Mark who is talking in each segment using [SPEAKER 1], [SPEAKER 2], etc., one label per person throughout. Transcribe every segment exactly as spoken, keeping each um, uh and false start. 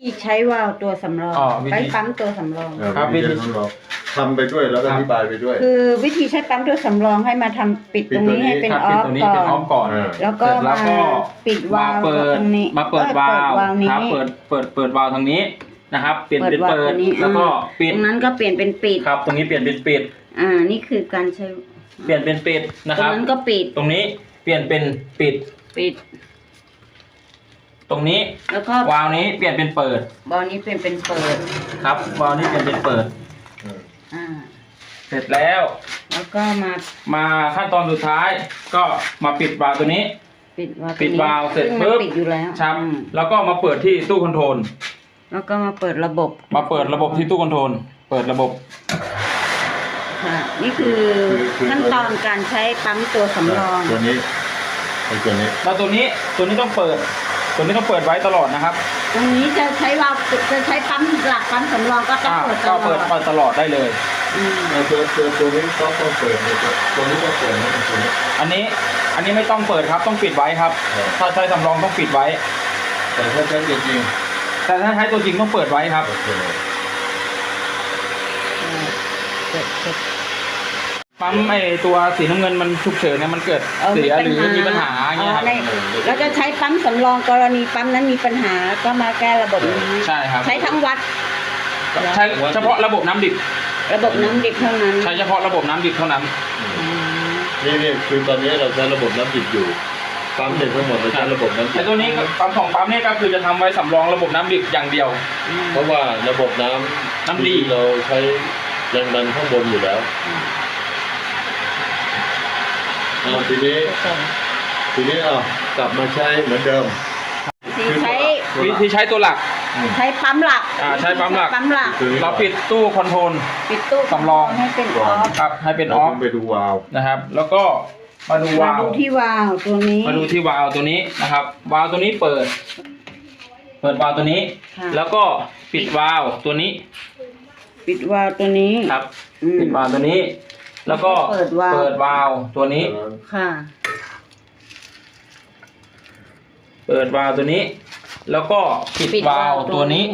[SPEAKER 1] ใช้วาล์วตัวสำรองใช้ปั๊มตัวสำรอง
[SPEAKER 2] ครับวิธีทำไปด้วยแล้วก็อธิบายไปด้วย
[SPEAKER 1] คือวิธีใช้ปั๊มตัวสำรองให้มาทำปิดตรงนี้ให้เป็นออฟก่อนแล้วก็มาปิดวาล์วตรงนี้
[SPEAKER 3] มาเปิดวาล์วครับเปิดเปิดเปิดวาล์วทางนี้นะครับเปลี่ยนเป็นเปิดแล้วก็ปิด
[SPEAKER 1] ตรงนั้นก็เปลี่ยนเป็นปิด
[SPEAKER 3] ครับตรงนี้เปลี่ยนเป็นปิด
[SPEAKER 1] อ่านี่คือการใช้
[SPEAKER 3] เปลี่ยนเป็นปิดนะครับ
[SPEAKER 1] ตรงนั้นก็ปิด
[SPEAKER 3] ตรงนี้เปลี่ยนเป็นปิด
[SPEAKER 1] ปิด
[SPEAKER 3] ตรงนี้
[SPEAKER 1] แล้วก็
[SPEAKER 3] วาล์วนี้เปลี่ยนเป็นเปิด
[SPEAKER 1] วาล์วนี้เปลี่ยนเป็นเปิด
[SPEAKER 3] ครับวาล์วนี้เปลี่ยนเป็นเปิด
[SPEAKER 1] อ่า
[SPEAKER 3] เสร็จแล้ว
[SPEAKER 1] แล้วก็มา
[SPEAKER 3] มาขั้นตอนสุดท้ายก็มาปิดวาล์วตัวนี้
[SPEAKER 1] ปิดวาล์ว
[SPEAKER 3] ปิดวาล์วเสร็จปุ๊บ
[SPEAKER 1] ปิดอยู่แล้ว
[SPEAKER 3] ครับแล้วก็มาเปิดที่ตู้คอนโทรล
[SPEAKER 1] แล้วก็มาเปิดระบบ
[SPEAKER 3] มาเปิดระบบที่ตู้คอนโทรลเปิดระบบ
[SPEAKER 1] ค่ะนี่คือขั้นตอนการใช้ปั๊มตัวสำรอง
[SPEAKER 2] ตัวนี้ตัวนี้
[SPEAKER 3] แล้วตัวนี้ตัวนี้ต้องเปิดตัวนี้ต้องเปิดไว้ตลอดนะครับ
[SPEAKER 1] ตรงนี้จะใช้วาล์วจะใช้ปั๊มหลักปั๊มสำรองก็ต้องเปิดตลอด
[SPEAKER 3] ก็เปิดเปิดตลอดได้เลย
[SPEAKER 2] ตัวตัวตัวนี้ต้องต้องเปิดตัวนี้ต้องเปิดนะตัวนี้
[SPEAKER 3] อันนี้อันนี้ไม่ต้องเปิดครับต้องปิดไว้ครับถ้าใช้สำรองต้องปิดไว้
[SPEAKER 2] แต่ถ้าใช้จริง
[SPEAKER 3] แต่ถ้าใช้ตัวจริงต้องเปิดไว้ครับปั๊มไอตัวสีน้ำเงินมันฉุกเฉินเนี่ยมันเกิดเสียหรือมีปัญหาเงี้ยครับ
[SPEAKER 1] แล้วจะใช้ปั๊มสำรองกรณีปั๊มนั้นมีปัญหาก็มาแก้ระบบนี้
[SPEAKER 3] ใช่ครับ
[SPEAKER 1] ใช้ทั้งวัด
[SPEAKER 3] ใช้เฉพาะระบบน้ำดิบ
[SPEAKER 1] ระบบน้ำดิบเท่านั้น
[SPEAKER 3] ใช้เฉพาะระบบน้ำดิบเท่านั้น
[SPEAKER 2] นี่นี่คือตอนนี้เราใช้ระบบน้ำดิบอยู่ปั๊มเด็กทั้งหมดเราใช้ระบบน้ำดิบ
[SPEAKER 3] ไอตัวนี้ปั๊มของปั๊มนี่ก็คือจะทำไว้สำรองระบบน้ำดิบอย่างเดียว
[SPEAKER 2] เพราะว่าระบบน้ำ
[SPEAKER 3] น้ำดี
[SPEAKER 2] เราใช้แรงดันข้างบนอยู่แล้วทีนี้ทีนี้เอากลับมาใช้เหมือนเดิม
[SPEAKER 1] ใช้
[SPEAKER 3] วิธีใช้ตัวหลัก
[SPEAKER 1] ใช้ปั๊มหลัก
[SPEAKER 3] อ่าใช้ปั๊มหลัก
[SPEAKER 1] ปั๊มหลัก
[SPEAKER 3] เราปิดตู้คอนโทรล
[SPEAKER 1] ปิดตู้
[SPEAKER 3] สำรอง
[SPEAKER 1] ให้เป็นออฟ
[SPEAKER 3] ครับให้เป็นออฟ
[SPEAKER 2] ไปดูวาล์ว
[SPEAKER 3] นะครับแล้วก็มาดูวาล์ว
[SPEAKER 1] มาดูที่วาล์วตัวนี้
[SPEAKER 3] มาดูที่วาล์วตัวนี้นะครับวาล์วตัวนี้เปิดเปิดวาล์วตัวนี้แล้วก็ปิดวาล์วตัวนี้
[SPEAKER 1] ปิดวาล์วตัวนี้
[SPEAKER 3] ครับปิดวาล์วตัวนี้แล้วก็เปิดวาล์วเปิดวาล์วตัวนี้
[SPEAKER 1] ค่ะ
[SPEAKER 3] เปิดวาล์วตัวนี้แล้วก็ปิดวาล์วตัวนี้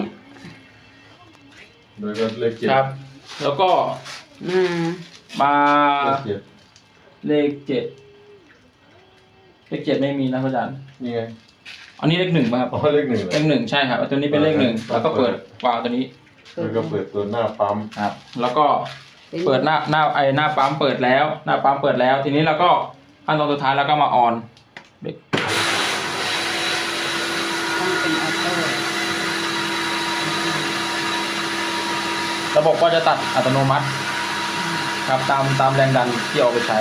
[SPEAKER 2] โดยก็เลขเจ็ด
[SPEAKER 3] ครับแล้วก็
[SPEAKER 1] มา
[SPEAKER 3] มาเลขเจ็ดเลขเจ็ดไม่มีนะอาจารย์
[SPEAKER 2] นี่ไง
[SPEAKER 3] อันนี้เลขหนึ่งป่ะครับ
[SPEAKER 2] อ๋อเลขหนึ่ง
[SPEAKER 3] เลขหนึ่งใช่ครับตัวนี้เป็นเลขหนึ่งแล้วก็เปิดวาล์วตัวนี้
[SPEAKER 2] แล้วก็เปิดตัวหน้าปั๊ม
[SPEAKER 3] ครับแล้วก็เปิดหน้าหน้าไอหน้าปั๊มเปิดแล้วหน้าปั๊มเปิดแล้วทีนี้เราก็ขั้นตอนสุดท้ายแล้วก็มาออนระบบก็จะตัดอัตโนมัติครับตามตามแรงดันที่เอาไปใช้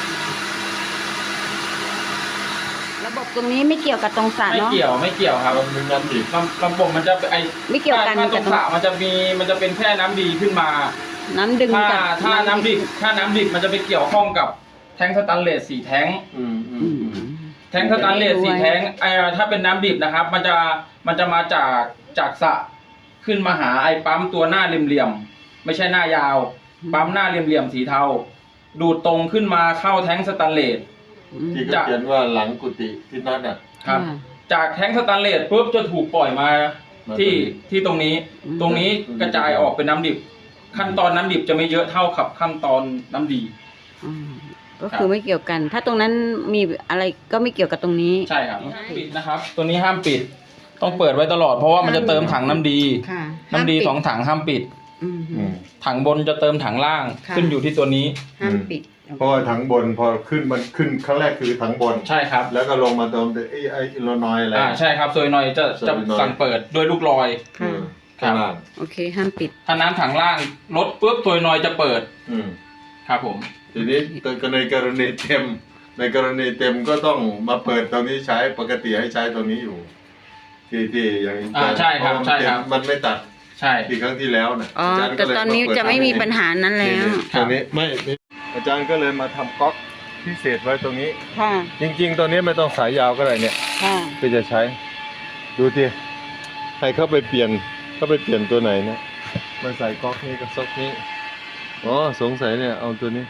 [SPEAKER 1] ระบบตรงนี้ไม่เกี่ยวกับตรงสระเนาะ
[SPEAKER 3] ไม่เกี่ยวไม่เกี่ยวครับมันน้ำดีระบบมันจะไอ
[SPEAKER 1] ไม่เกี่ยวกัน
[SPEAKER 3] กับตรงสระมันจะมีมันจะเป็นแค่น้ำดีขึ้นมา
[SPEAKER 1] น้ำดึง
[SPEAKER 3] ถ้าถ้าน้ำดิบถ้าน้ำดิบมันจะไปเกี่ยวข้องกับแท้งสแตนเลสสี่แท้งแท้งสแตนเลสสี่แท้งไอถ้าเป็นน้ำดิบนะครับมันจะมันจะมาจากจากสระขึ้นมาหาไอปั๊มตัวหน้าเหลี่ยมๆไม่ใช่หน้ายาวปั๊มหน้าเหลี่ยมๆสีเทาดูดตรงขึ้นมาเข้าแท้งสแตนเลส
[SPEAKER 2] ที่เขาเขียนว่าหลังกุฏิที่นั่นอ่ะ
[SPEAKER 3] ครับจากแท้งสแตนเลสปุ๊บจะถูกปล่อยมาที่ที่ตรงนี้ตรงนี้กระจายออกเป็นน้ำดิบขั้นตอนน้ำดิบจะไม่เยอะเท่ากับขั้นตอนน้ำดี
[SPEAKER 1] ก็คือไม่เกี่ยวกันถ้าตรงนั้นมีอะไรก็ไม่เกี่ยวกับตรงนี้
[SPEAKER 3] ใช่ครับห้ามปิดนะครับตัวนี้ห้ามปิดต้องเปิดไว้ตลอดเพราะว่ามันจะเติมถังน้ำดีน้ำดีสองถังห้ามปิดถังบนจะเติมถังล่างขึ้นอยู่ที่ตัวนี้
[SPEAKER 1] ห้ามปิด
[SPEAKER 2] เพราะว่าถังบนพอขึ้นมันขึ้นครั้งแรกคือถังบน
[SPEAKER 3] ใช่ครับ
[SPEAKER 2] แล้วก็ลงมาเติมไอ้ไอ้อิลนอยอะไร
[SPEAKER 3] อ่าใช่ครับโซยนอยจะจะสั่งเปิดด้วยลูกลอย
[SPEAKER 1] ครับโอเคห้ามปิด
[SPEAKER 3] ถ้าน้ำถังล่างลดปุ๊บโซยนอยจะเปิด
[SPEAKER 2] อืม
[SPEAKER 3] ครับผม
[SPEAKER 2] ทีนี้ในกรณีเต็มในกรณีเต็มก็ต้องมาเปิดตรงนี้ใช้ปกติให้ใช้ตรงนี้อยู่ที่ที่อย่าง
[SPEAKER 3] อ่าใช่ครับใช่ครับ
[SPEAKER 2] มันไม่ตัด
[SPEAKER 3] ใช่
[SPEAKER 2] ที่ครั้งที่แล้วนะ
[SPEAKER 1] อ๋อแต่ตอนนี้จะไม่มีปัญหานั้นแล้ว
[SPEAKER 2] ตอนนี้ไม่อาจารย์ก็เลยมาทำก๊อกพิเศษไว้ตรงนี้
[SPEAKER 1] ค่ะ
[SPEAKER 2] จริงๆตอนนี้ไม่ต้องสายยาวก็ได้เนี่ย
[SPEAKER 1] ค่ะ
[SPEAKER 2] เพื่อจะใช้ดูทีใครเข้าไปเปลี่ยนเข้าไปเปลี่ยนตัวไหนนะมาใส่ก๊อกนี้กับซอกนี้อ๋อสงสัยเนี่ยเอาตัวนี้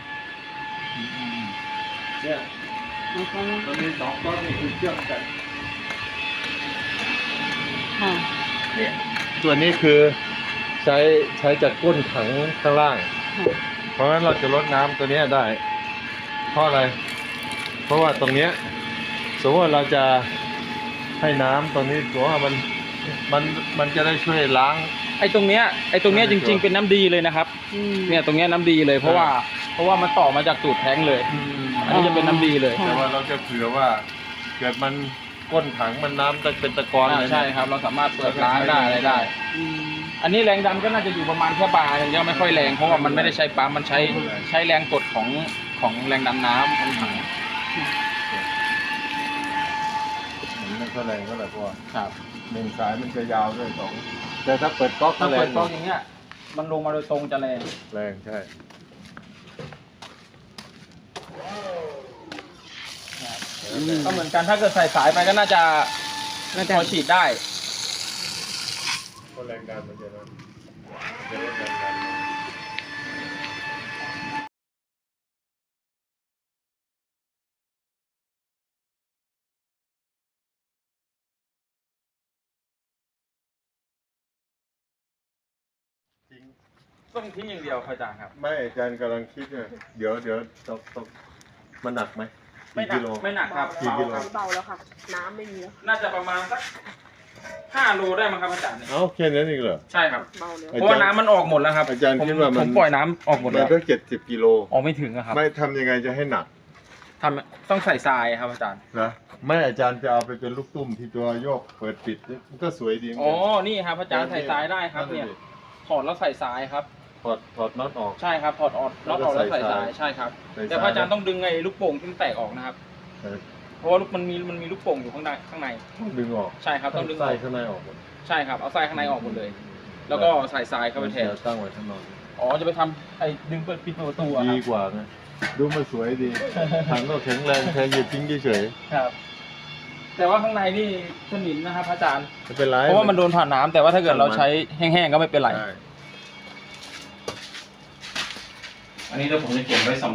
[SPEAKER 2] เนี่ยตัวนี้สองก๊อกนี่คือเชื่อมกัน
[SPEAKER 1] ค่ะ
[SPEAKER 2] เนี่ยตัวนี้คือใช้ใช้จากก้นถังข้างล่าง เพราะฉะนั้นเราจะลดน้ำตัวเนี้ยได้ เพราะอะไร เพราะว่าตรงเนี้ยสมมติว่าเราจะให้น้ำตรงนี้ตัวว่ามันมันมันจะได้ช่วยล้าง
[SPEAKER 3] ไอ้ตรงเนี้ยไอ้ตรงเนี้ยจริง ๆเป็นน้ำดีเลยนะครับ
[SPEAKER 1] อืม
[SPEAKER 3] เนี่ยตรงเนี้ยน้ำดีเลยเพราะว่าเพราะว่ามันต่อมาจากตูดแท้งเลย อันนี้จะเป็นน้ำดีเลย
[SPEAKER 2] แต่ว่าเราจะเผื่อว่าเกิดมันก้นถังมันน้ำจะเป็นตะกอน
[SPEAKER 3] อ่า
[SPEAKER 2] เลย
[SPEAKER 3] ใช่ครับ เราสามารถเปิดล้างได้อะไรได้
[SPEAKER 1] อืม
[SPEAKER 3] อันนี้แรงดันก็น่าจะอยู่ประมาณแค่บาร์อย่างเดียวไม่ค่อยแรงเพราะว่ามันไม่ได้ใช้ปั๊มมันใช้ใช้แรงกดของของแรงดันน้ำของถัง
[SPEAKER 2] มันไม่ค่อยแรงเท่าไหร่เพราะว่า
[SPEAKER 3] ครับ
[SPEAKER 2] หนึ่งสายมันจะยาวด้วยสองแต่ถ้าเปิดก๊อก
[SPEAKER 3] ถ้า
[SPEAKER 2] แร
[SPEAKER 3] เปิ
[SPEAKER 2] ง
[SPEAKER 3] ดกล้องอย่างเงี้ยมันลงมาโดยตรงจะแรง
[SPEAKER 2] แรงใช่
[SPEAKER 3] ก็เหมือนกันถ้าเกิดใส่สายไปก็น่าจะพอฉีดได้
[SPEAKER 2] ก็แรงดันมันจะนั้นจะลดแรงดันจริง
[SPEAKER 3] ต้องทิ้งอย่างเดียวอาจารย์ครับ
[SPEAKER 2] ไม่อาจารย์กำลังคิดเนี่ยเดี๋ยวเดี๋ยวตกตกมันหนักไหม
[SPEAKER 3] ไม่หนั
[SPEAKER 2] กิ
[SPEAKER 3] ก
[SPEAKER 2] โล
[SPEAKER 3] ไม่หนักครับ
[SPEAKER 2] กี่กิโล
[SPEAKER 3] เบาครับ
[SPEAKER 4] เบาแล้วค่ะ น้ำไม่มีแล้ว
[SPEAKER 3] น่าจะประมาณสักห้าโลได้มั้งครับอาจารย์
[SPEAKER 2] เอ้าแค่นั้นเองเหรอ
[SPEAKER 3] ใช่ครับ
[SPEAKER 4] เบาแล้ว
[SPEAKER 3] เพราะว่าน้ำมันออกหมดแล้วครับ
[SPEAKER 2] อาจารย์
[SPEAKER 3] ผม
[SPEAKER 2] คิดว่ามัน
[SPEAKER 3] ผมปล่อยน้ำออกหมด
[SPEAKER 2] มั
[SPEAKER 3] แล้
[SPEAKER 2] น
[SPEAKER 3] ว
[SPEAKER 2] ต้องเจ็ดสิบกิโล
[SPEAKER 3] ออกไม่ถึงอะครับ
[SPEAKER 2] ไม่ทำยังไงจะให้หนัก
[SPEAKER 3] ทำต้องใส่ทรายครับอาจารย์
[SPEAKER 2] นะไม่อาจารย์จะเอาไปเป็นลูกตุ้มที่ตัวโยกเปิดปิดมันก็สวยดีเหมือน
[SPEAKER 3] อ๋อ
[SPEAKER 2] กัน
[SPEAKER 3] นี่ครับอาจารย์ใส่ทรายได้ครับเนี่ยถอดแล้วใส่ทรายครับ
[SPEAKER 2] ถอดถอดน็อตออก
[SPEAKER 3] ใช่ครับถอดออกน็อตออกแล้วใส่ทรายใช่ครับ
[SPEAKER 2] ใส่ทราย
[SPEAKER 3] แต่พระอาจารย์ต้องดึงไอ้ลูกโป่งที่มันแตกออกนะครับ
[SPEAKER 2] เออ
[SPEAKER 3] เพราะว่าลูกมันมีมันมีลูกโป่งอยู่ข้างในข้างใน
[SPEAKER 2] ต้องดึงออก
[SPEAKER 3] ใช่ครับต้องดึงอ
[SPEAKER 2] ใส่
[SPEAKER 3] อก
[SPEAKER 2] ข้างในออกหมด
[SPEAKER 3] ใช่ครับเอาทรายข้างในออกหมดเลย แล้วก็ใส่ทรายเข้าไปแทน
[SPEAKER 2] จะตั้งไว้ข้างนอก
[SPEAKER 3] อ๋อจะไปทำไอ้ดึงเปิดปิดประตูอะค
[SPEAKER 2] ดี
[SPEAKER 3] รับ
[SPEAKER 2] กว่าไงดูมันสวยดีถังก็แข็งแรงแค่หยิบทิ้งเฉย
[SPEAKER 3] ครับ แต่ว่าข้างในนี่สนิมนะครับอาจารย์
[SPEAKER 2] ๆไม่เป็นไร
[SPEAKER 3] เพราะว่ามันโดนผ่านน้ำแต่ว่าถ้าเกิดเราใช้แห้งๆก็ไม่เป็นไร
[SPEAKER 2] ได้
[SPEAKER 3] อันนี้เดี๋ยวผมจะเก็บไว้สำ